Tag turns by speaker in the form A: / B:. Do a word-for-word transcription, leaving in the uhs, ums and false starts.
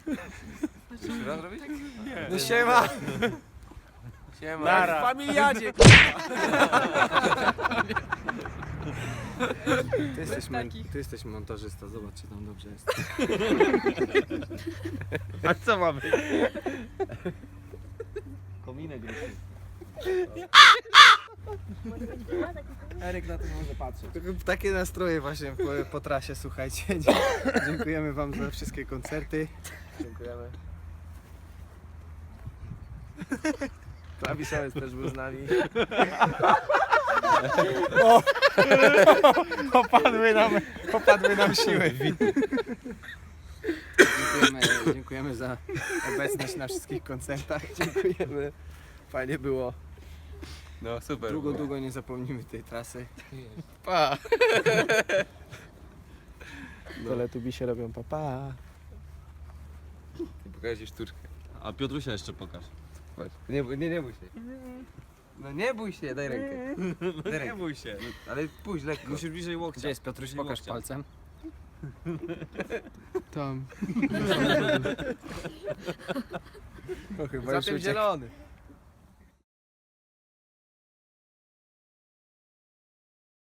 A: Jeszcze raz robić?
B: Nie.
C: No siema!
A: Siema.
B: Nara.
C: W familiadzie! Ty jesteś, mon- ty jesteś montażysta, zobacz czy tam dobrze jest.
B: A co mamy? Kominek ruszył.
C: Eryk na to może patrzeć. Takie nastroje właśnie po, po trasie, słuchajcie. Dziękujemy wam za wszystkie koncerty. Dziękujemy. Klawiszowiec też był z nami. O! Popadły nam, popadły nam siły. Dziękujemy, dziękujemy za obecność na wszystkich koncertach. Dziękujemy. Fajnie było.
A: No super.
C: Długo, długo nie zapomnimy tej trasy.
A: Pa.
C: Teletubisie robią papa.
A: I pokażę ci sztuczkę.
B: A Piotrusia jeszcze pokaż.
A: Patrz. Nie, bój- nie, nie bój się. No nie bój się, daj rękę. Daj
B: Nie
A: rękę.
B: bój się.
A: Ale pójdź lekko.
B: Musisz bliżej łokcia.
C: Gdzie jest Piotruś?
B: Bliżej
C: Pokaż
B: łokcia.
C: palcem. Tam. O, chyba
A: Za
C: już
A: tym
C: uciekł.
A: zielony.